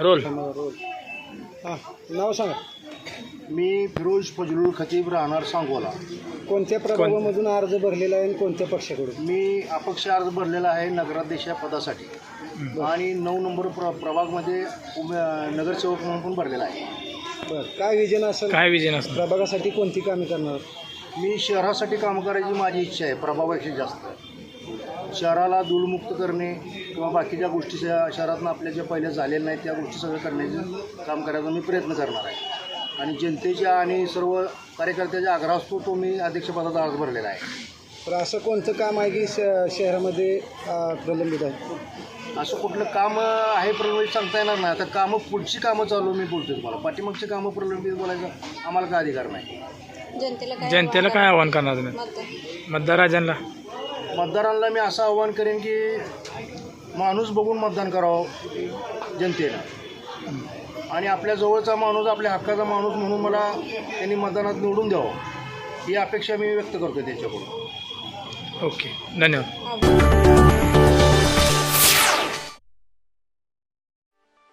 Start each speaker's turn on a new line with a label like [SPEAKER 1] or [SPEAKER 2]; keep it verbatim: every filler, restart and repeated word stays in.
[SPEAKER 1] Role
[SPEAKER 2] role हां नाव सांगा.
[SPEAKER 3] मी फिरोज फजलुल खतीब राहणार सांगोला.
[SPEAKER 2] कोणत्या प्रभागामधून अर्ज भरलेला आहे आणि कोणत्या पक्षाकडून?
[SPEAKER 3] मी अपक्ष अर्ज भरलेला आहे नगराध्यक्ष या पदासाठी आणि नऊ नंबर प्र प्रभागमध्ये उमे नगरसेवक म्हणून पण भरलेला आहे.
[SPEAKER 2] बरं काय विजन असेल?
[SPEAKER 1] काय विजन असतं?
[SPEAKER 2] प्रभागासाठी कोणती कामे करणार?
[SPEAKER 3] मी शहरासाठी काम करायची माझी इच्छा आहे प्रभावापेक्षा जास्त. शहराला धूळमुक्त करणे किंवा बाकीच्या गोष्टी शहरातून आपल्या ज्या पहिल्या झालेल्या नाहीत त्या गोष्टी सगळं करण्याचं काम करायचा मी प्रयत्न करणार आहे आणि जनतेच्या आणि सर्व कार्यकर्त्याच्या आग्रह असतो तो मी अध्यक्षपदाचा अर्ज भरलेला आहे.
[SPEAKER 2] तर असं कोणतं काम आहे की श शहरामध्ये अं, प्रलंबित आहे?
[SPEAKER 3] असं कुठलं काम आहे प्रलंबित सांगता येणार नाही. आता कामं पुढची कामं चालू मी बोलतो तुम्हाला. पाठीमागची कामं प्रलंबित बोलायचं आम्हाला काय अधिकार नाही.
[SPEAKER 1] जनतेला काय आव्हान करणार तुम्ही मतदार राजांना?
[SPEAKER 3] मतदारांना मी असं आव्हान करेन की माणूस बघून मतदान करावं जनतेनं आणि आपल्या जवळचा माणूस आपल्या हक्काचा माणूस म्हणून मला त्यांनी मतदानात निवडून द्यावं ही अपेक्षा मी व्यक्त करतो त्यांच्याकडून.
[SPEAKER 1] ओके धन्यवाद.